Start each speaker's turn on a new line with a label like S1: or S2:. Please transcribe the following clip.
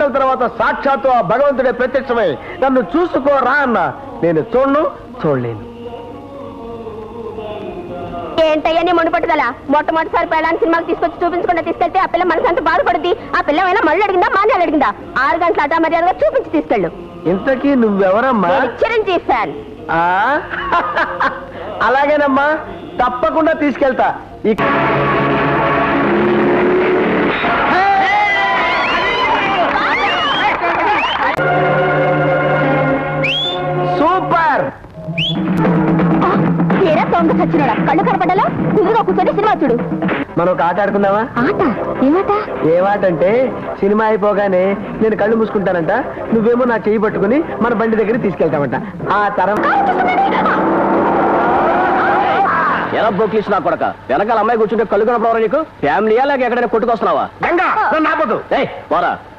S1: గంటల తర్వాత సాక్షాత్తు ఆ భగవంతుడే ప్రత్యక్షమై నన్ను చూసుకోరా అన్న. నేను చూడలేను.
S2: ఏంటయ్యా నీ మొండి పట్టుదల? మొట్టమొదటిసారి పెళ్ళాన్ని సినిమాకి తీసుకొచ్చి చూపించకుండా తీసుకెళ్తే ఆ పిల్ల మనసు అంత బాధపడుద్ది. ఆ పిల్ల అయినా మళ్ళీ అడిగిందా మాన్యాలు అడిగిందా? 6 గంటల అటా మర్యాదగా చూపించి తీసుకెళ్ళు.
S1: ఇంతకీ నువ్వెవరమ్మా?
S2: చిరంజీవి ఫ్యాన్.
S1: అలాగేనమ్మా, తప్పకుండా తీసుకెళ్తా. సూపర్.
S2: చచ్చినాడా? కళ్ళు కనపడ్డాలో కుదురుగా కూర్చొని సినిమా చూడు.
S1: మనం ఒక ఆట ఆడుకుందామా?
S2: ఆట? ఏమాట?
S1: ఏమాట అంటే సినిమా అయిపోగానే నేను కళ్ళు మూసుకుంటానంట, నువ్వేమో నా చెయ్యి పట్టుకుని మన బండి దగ్గర తీసుకెళ్తామంట. ఆ తర్వాత
S3: ఎలా బోక్లీస్ నా కొడక, వెనకాల అమ్మాయి కూర్చుంటే కళ్ళు కనపడవరా నీకు? ఫ్యామిలీయా లేక ఎక్కడైనా కొట్టుకొస్తున్నావా?
S1: గంగా, నన్ను ఆపొద్దు.
S3: పోరా.